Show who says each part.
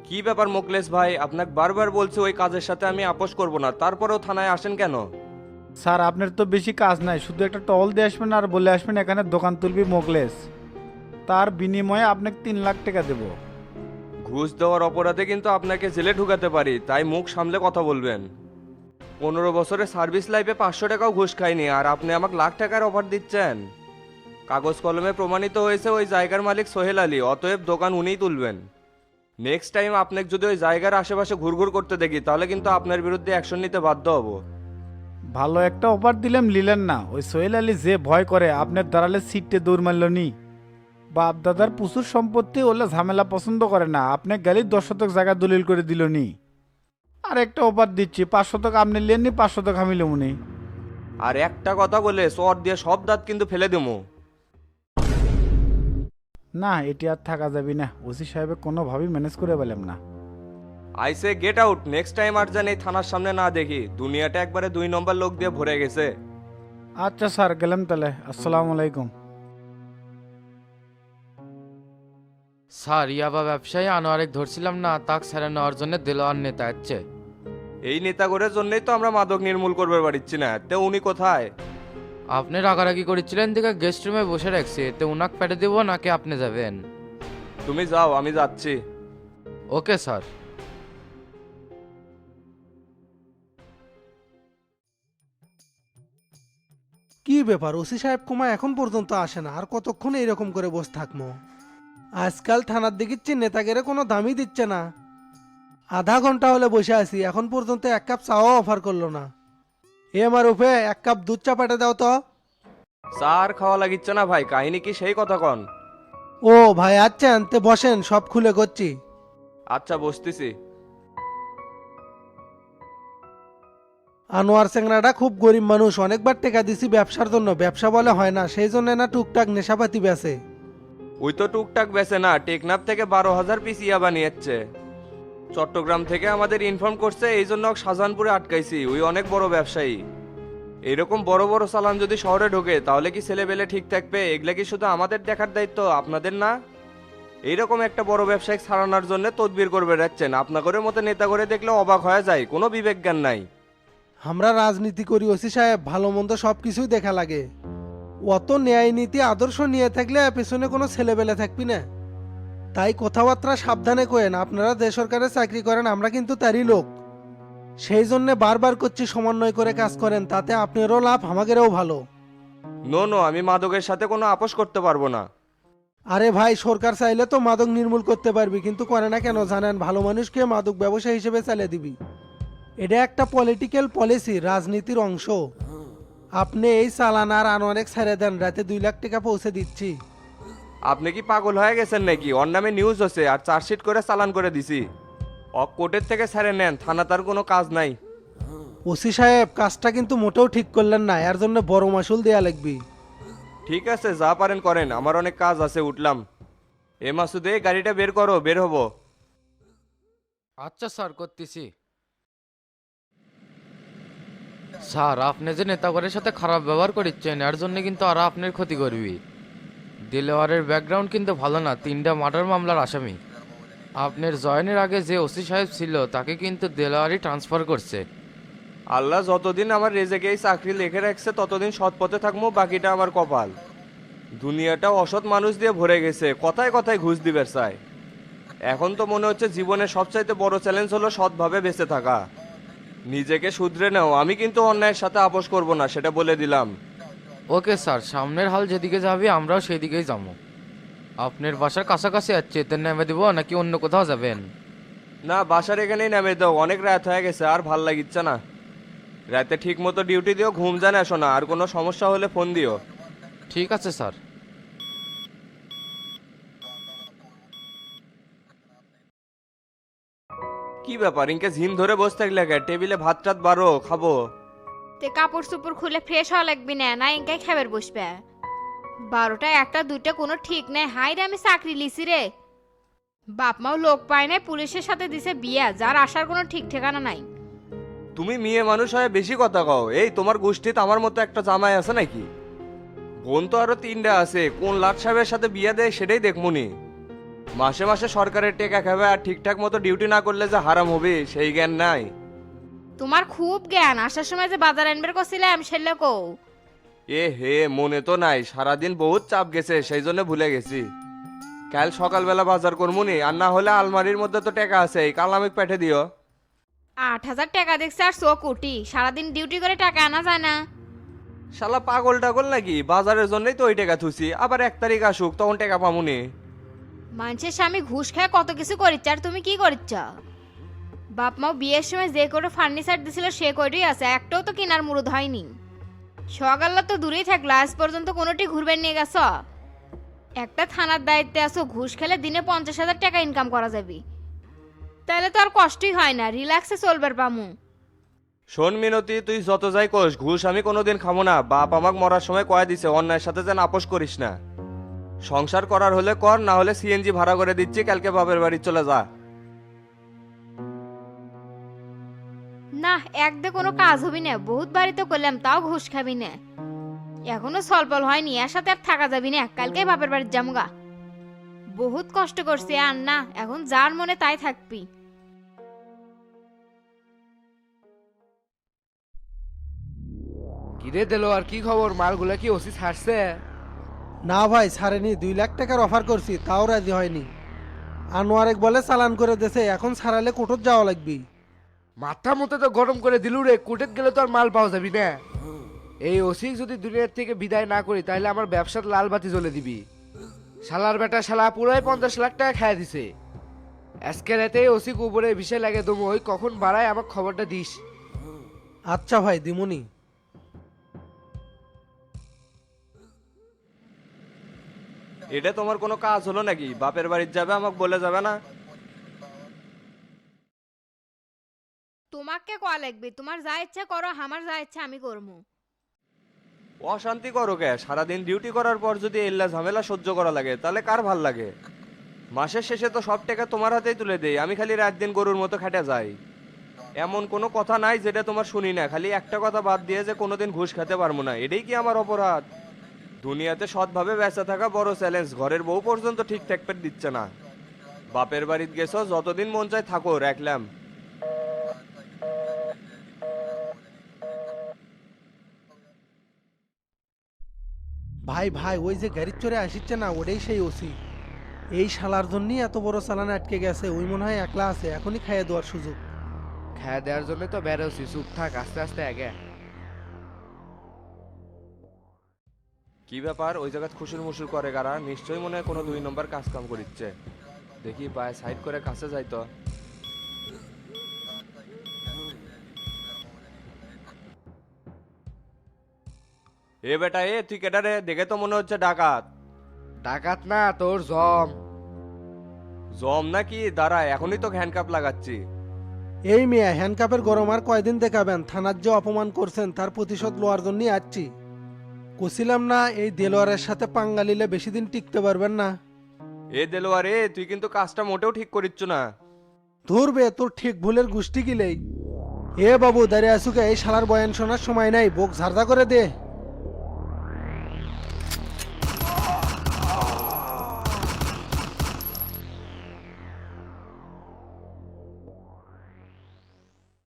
Speaker 1: কি ব্যাপার মোকলেশ ভাই, আপনাকে বারবার বলছি ওই কাজের সাথে আমি আপোষ করব না, তারপরেও থানায় আসেন কেন?
Speaker 2: স্যার আপনার তো বেশি কাজ নাই, শুধু একটা টল দিয়ে আসবেন আর বলে আসবেন এখানে দোকান তুলবি মোগলেস। তার বিনিময়ে আপনাকে 3 লাখ টাকা দেবো।
Speaker 1: ঘুষ দেওয়ার অপরাধে কিন্তু আপনাকে জেলে ঢুকাতে পারি, তাই মুখ সামলে কথা বলবেন। 15 বছরের সার্ভিস লাইফে 500 টাকাও ঘুষ খাইনি, আর আপনি আমাকে লাখ টাকার অফার দিচ্ছেন। কাগজ কলমে প্রমাণিত হয়েছে ওই জায়গার মালিক সোহেল আলী, অতএব দোকান উনিই তুলবেন। নেক্সট টাইম আপনাকে যদি ওই জায়গার আশেপাশে ঘুরঘুর করতে দেখি তাহলে কিন্তু আপনার বিরুদ্ধে অ্যাকশন নিতে বাধ্য হব।
Speaker 2: ভালো একটা অফার দিলাম নিলেন না। ওই সোহেল আলী যে ভয় করে আপনার দাঁড়ালে সিটে দৌড় মারল নি। বাপ দাদার প্রচুর সম্পত্তি, ওলে ঝামেলা পছন্দ করে না। আপনি গেলি 10 শতক জায়গা দলিল করে দিল নি। আর একটা অফার দিচ্ছি, 5 শতক আপনি লেননি, 5 শতক আমি লমুনি।
Speaker 1: আর একটা কথা বলে চর দিয়ে সব দাঁত কিন্তু ফেলে দেবো।
Speaker 2: না, এটি আর থাকা যাবে না। ওসি সাহেবের কোনোভাবেই ম্যানেজ করে পেলাম না।
Speaker 1: আইসে গেট আউট, নেক্সট টাইম আর যেন এই থানার সামনে না দেখি। দুনিয়াটা একবারে 2 নম্বর লোক দিয়ে ভরে গেছে।
Speaker 2: আচ্ছা স্যার, গেলাম তাহলে। আসসালামু আলাইকুম।
Speaker 3: স্যার ইয়াবা ব্যবসায়ী আনোয়ারেক ধরছিলাম না, তাক ছেড়ে নেওয়ার জন্য দেলোয়ার নেতা আসছে।
Speaker 1: এই নেতাগরের জন্যই তো আমরা মাদক নির্মূল করবার পারছি না, তো উনি কোথায়?
Speaker 3: আপনি রাগারাগি করেছিলেন দিকে গেস্ট রুমে বসে রাখছি, তো উনাক পেটে দেবো নাকি আপনি যাবেন?
Speaker 1: তুমি যাও, আমি যাচ্ছি।
Speaker 3: Okay sir.
Speaker 4: কি ব্যাপার, ওসি সাহেব কুমা এখন পর্যন্ত আসে না? আর কতক্ষণ এইরকম করে বসে থাকবো? আজকাল থানার দিকিচ্ছি নেতাগেরে কোনো দামই দিচ্ছে না। আধা ঘন্টা হলে বসে আছি, এখন পর্যন্ত 1 কাপ চাও অফার করলো না। এ আমার উপে 1 কাপ দুধ চা পাঠে দাও তো।
Speaker 1: চা আর খাওয়া লাগিচ্ছে না ভাই, কাহিনী কি সেই কথা কন?
Speaker 4: ও ভাই আচ্ছা, আনতে বসেন, সব খুলে করছি।
Speaker 1: আচ্ছা বসতেছি।
Speaker 4: আনোয়ার চেংরাটা খুব গরিব মানুষ, অনেকবার টাকা দিছি ব্যবসার জন্য, ব্যবসা বলে হয় না, সেই জন্য না টুকটাক নেশাপাতি বেচে।
Speaker 1: ওই তো টুকটাক বেছে না, টেকনাফ থেকে 12,000 পিস ইয়া বানিয়েছে। চট্টগ্রাম থেকে আমাদের ইনফর্ম করছে, এই জন্য ওকে শাহজাহানপুরে আটকাইছি। ওই অনেক বড় ব্যবসায়ী। এরকম বড় বড় চালান যদি শহরে ঢোকে তাহলে কি ছেলেবেলে ঠিক থাকবে? এগুলা কি শুধু আমাদের দেখার দায়িত্ব, আপনাদের না? এইরকম একটা বড় ব্যবসায়িক ছাড়ানোর জন্য তদবির করবে যাচ্ছেন। আপনাদের মতো নেতা করে দেখলে অবাক হয়ে যায়, কোনো বিবেক জ্ঞান নাই।
Speaker 4: আমরা রাজনীতি করি ওসি সাহেব, ভালো মন্দ সব কিছুই দেখা লাগে। অত ন্যায় নীতি আদর্শ নিয়ে থাকলে পেছনে কোনো ছেলেবেলে থাকবি না। তাই কথাবার্তা সাবধানে কোয়েন, আপনারা যে সরকারে চাকরি করেন আমরা কিন্তু তারই লোক। সেই জন্য বারবার করছি সমন্বয় করে কাজ করেন, তাতে আপনারও লাভ আমাদেরও ভালো।
Speaker 1: নো নো, আমি মাদকের সাথে কোনো আপোষ করতে পারবো না।
Speaker 4: আরে ভাই, সরকার চাইলে তো মাদক নির্মূল করতে পারবি, কিন্তু করে না কেন জানেন? ভালো মানুষকে মাদক ব্যবসা হিসেবে চালিয়ে দিবি। এটা একটা পলিটিক্যাল পলিসি, রাজনীতির অংশ। আপনি এই চালান আর অনেক ছেড়ে দেন, রাতে 2 লাখ টাকা পৌঁছে দিচ্ছি।
Speaker 1: আপনি কি পাগল হয়ে গেছেন নাকি? ওর নামে নিউজ হচ্ছে আর চার্জশিট করে চালান করে দিছি। কোর্টের থেকে ছেড়ে নেন, থানা তার কোনো কাজ নাই।
Speaker 4: ওসি সাহেব, কাজটা কিন্তু মোটেও ঠিক করলেন না, এর জন্য বড় মাসুল দেয়া লাগবে।
Speaker 1: ঠিক আছে, যা পারেন করেন, আমার অনেক কাজ আছে, উঠলাম। এ মাসুদে, গাড়িটা বের করো, বের হবো।
Speaker 3: আচ্ছা স্যার, করতেছি। স্যার আপনি যে নেতাগরের সাথে খারাপ ব্যবহার করেছেন এর জন্য কিন্তু আর আপনার ক্ষতি করবি। দিলওয়ারের ব্যাকগ্রাউন্ড কিন্তু ভালো না, 3টা মার্ডার মামলার আসামি। আপনার জয়েনের আগে যে ওসি সাহেব ছিল তাকে কিন্তু দেলোয়ারি ট্রান্সফার করছে।
Speaker 1: আল্লাহ যতদিন আমার রেজেকে এই চাকরি লিখে রাখছে ততদিন সৎ পথে থাকবো, বাকিটা আমার কপাল। দুনিয়াটা অসৎ মানুষ দিয়ে ভরে গেছে, কথায় কথায় ঘুষ দিবে চায়। এখন তো মনে হচ্ছে জীবনের সবচাইতে বড় চ্যালেঞ্জ হলো সৎভাবে বেঁচে থাকা। নিজেকে শুধরে নাও, আমি কিন্তু অন্যায়ের সাথে আপোষ করব না, সেটা বলে দিলাম।
Speaker 3: ওকে স্যার, সামনের হাল যেদিকে যাবে আমরাও সেই দিকেই যাবো। আপনার বাসার কাছাকাছি আছে, এতে নেমে দিব নাকি অন্য কোথাও যাবেন?
Speaker 1: না, বাসার এখানেই নামে দাও, অনেক রাত হয়ে গেছে, আর ভাল লাগিচ্ছে না। রাতে ঠিক মতো ডিউটি দিও, ঘুম জানে আসো না, আর কোনো সমস্যা হলে ফোন দিও।
Speaker 3: ঠিক আছে স্যার।
Speaker 1: কি ব্যাপার, ইনকে ঝিম ধরে বসে থাকলে কে? টেবিলে ভাত টাত বারো, খাবো।
Speaker 5: তে কাপড় চোপড় খুলে ফ্রেশ হওয়া লাগবি না, না এঙ্কাই খাবার বসবে। 12টা 1টা 2টা কোনো ঠিক নাই। হাই রে, আমি চাকরি লিছি রে। বাপ মাও লোক পায় নাই, পুলিশের সাথে দিছে বিয়া, যার আসার কোনো ঠিক ঠিকানা নাই।
Speaker 1: তুমি মেয়ে মানুষ হয়ে বেশি কথা কও। এই তোমার গোষ্ঠীতে আমার মতো একটা জামাই আছে নাকি? বোন তো আরো 3টা আছে, কোন লাট সাহেবের সাথে বিয়া দেয় সেটাই দেখমুনি। মাসে মাসে সরকারের টেকা খাবে আর ঠিকঠাক মতো ডিউটি না করলে যে হারাম হবে সেই জ্ঞান নাই।
Speaker 5: তোমার খুব জ্ঞান, আসার সময় যে বাজার আনবার করছিলাম সেলে কও।
Speaker 1: এ হে, মনে তো নাই, সারাদিন বহুত চাপ গেছে সেই জন্য ভুলে গেছি। কাল সকালবেলা বাজার করমুনি, আর না হলে আলমারির মধ্যে তো টাকা আছে, কাল আমি পেঠে দিও।
Speaker 5: 8,000 টাকা দেখছে আর 100 কোটি, সারাদিন ডিউটি করে টাকা আনা যায় না।
Speaker 1: শালা পাগল টাগল নাকি, বাজারের জন্যই তো ওই টাকা থুছি, আবার 1 তারিখ আসুক তখন টাকা পামুনি।
Speaker 5: মানুষের স্বামী ঘুষ খায় কত কিছু করিচ্ছ, আর তুমি কি করিচ্ছ? বাপ মাও বিয়ের সময় যে করে ফার্নিচার দিছিল সে কয়টাই আছে, একটাও তো কেনার মুরুদ হয়নি। সকাল্লা তো দূরেই থাকলো, আজ পর্যন্ত কোনোটি ঘুরবে নিয়ে গেছ? একটা থানার দায়িত্বে আছো, ঘুষ খেলে দিনে 50,000 টাকা ইনকাম করা যাবে, তাহলে তো আর কষ্টই হয় না, রিল্যাক্সে চলবার পামু।
Speaker 1: শোন মিনতি, তুই যত যাই কোস, ঘুষ আমি কোনোদিন খাবো না। বাপ আমাকে মরার সময় কয়ে দিছে অন্যায়ের সাথে যেন আপোষ করিস না। সংসার করার হলে কর, না হলে সিএনজি ভাড়া করে দিচ্ছি, কালকে বাপের বাড়ি চলে যা।
Speaker 5: না, একদে কোনো কাজ হবি না, বহুত বাড়িতে করলাম তাও ঘুষ খাবি না। এখনো সলপল হয়নি, এর সাথে আর থাকা যাবি না, কালকে বাপের বাড়ির জামুগা। বহুত কষ্ট করছি, আর না, এখন যার মনে তাই থাকবি।
Speaker 6: কিরে দিল আর কি খবর, মালগুলা কি ওসি ছাড়ছে?
Speaker 4: না ভাই ছাড়েনি, 2 লাখ টাকার অফার করছি তাও রাজি হয়নি। আনোয়ারেক বলে চালান করে দেছে, এখন ছাড়ালে কোর্টত যাওয়া লাগবে।
Speaker 6: মাথা মতো তো গরম করে দিলু রে, কোর্টেত গেলে তো আর মাল পাওয়া যাবি না। এই ওসি যদি দুনিয়ার থেকে বিদায় না করি তাহলে আমার ব্যবসার লাল বাতি জ্বলে দিবি। শালার বেটা শালা পুরাই 50 লাখ টাকা খাইয়া দিছে। আজকে রাতে ওসি উপরে বিষয় লাগে দমু, ওই কখন বাড়ায় আমার খবরটা দিস।
Speaker 4: আচ্ছা ভাই দিমুনি।
Speaker 1: এটা তোমার কোনো কাজ হলো নাকি? বাপের বাড়ির যাবে আমাকে বলে যাবে না?
Speaker 5: তোমাকে কয়া লাগবে, তোমার যা ইচ্ছা করো, আমার যা ইচ্ছা আমি করবো।
Speaker 1: অশান্তি করো কে? সারাদিন ডিউটি করার পর যদি এল্লা ঝামেলা সহ্য করা লাগে তাহলে কার ভাল লাগে? মাসের শেষে তো সব টাকা তোমার হাতেই তুলে দেই, আমি খালি রাত দিন গরুর মতো খেটে যাই। এমন কোনো কথা নাই যেটা তোমার শুনি না, খালি একটা কথা বাদ দিয়ে যে কোনোদিন ঘুষ খেতে পারবো না, এটাই কি আমার অপরাধ? দুনিয়াতে সৎভাবে বেঁচে থাকা বড় চ্যালেঞ্জ, ঘরের বউ পর্যন্ত ঠিক থাকতে দিচ্ছে না। বাপের বাড়িতে গেছো, যতদিন মন চায় থাকো, রাখলাম।
Speaker 4: ভাই ভাই ওই যে গাড়ির চড়ে আসিচ্ছে না, ওটাই সেই ওসি। এই শালার জন্যই এত বড় চালান আটকে গেছে, ওই মনে হয় একলা আছে, এখনই খাইয়ে দেওয়ার সুযোগ।
Speaker 6: খাওয়া দেওয়ার জন্য তো বেরোছি, চুপ থাক, আস্তে আস্তে আগে।
Speaker 1: কি ব্যাপার, ওই জায়গায় খুশুর মুসুর করে কারা? নিশ্চয়ই মনে হয় কোনো 2 নম্বর কাজ কাম করিচ্ছে। দেখি পায়ে সাইড করে কাছে যাই তো। এ বেটা, এ তুই কেটা রে? দেখে তো মনে হচ্ছে ডাকাত।
Speaker 6: ডাকাত না, তোর জম।
Speaker 1: জম নাকি? দাঁড়া, এখনই তো হ্যান্ডকাপ লাগাচ্ছি।
Speaker 4: এই মিয়া হ্যান্ডকাপের গরম আর কয়দিন দেখাবেন? থানার যে অপমান করছেন তার প্রতিশোধ লওয়ার জন্যই আসছি। কছিলাম না এই দেলোয়ারের সাথে পাঙ্গা নিলে বেশি দিন টিকতে পারবেন না।
Speaker 1: এ দেলোয়ার, এ তুই কিন্তু কাজটা মোটেও ঠিক করিচ্ছ না।
Speaker 4: ধরবে তোর ঠিক ভুলের গোষ্ঠী গিলেই। এ বাবু দাঁড়িয়ে আসুকে, এই শালার বয়ান শোনার সময় নাই, বোক ঝাড়দা করে দে।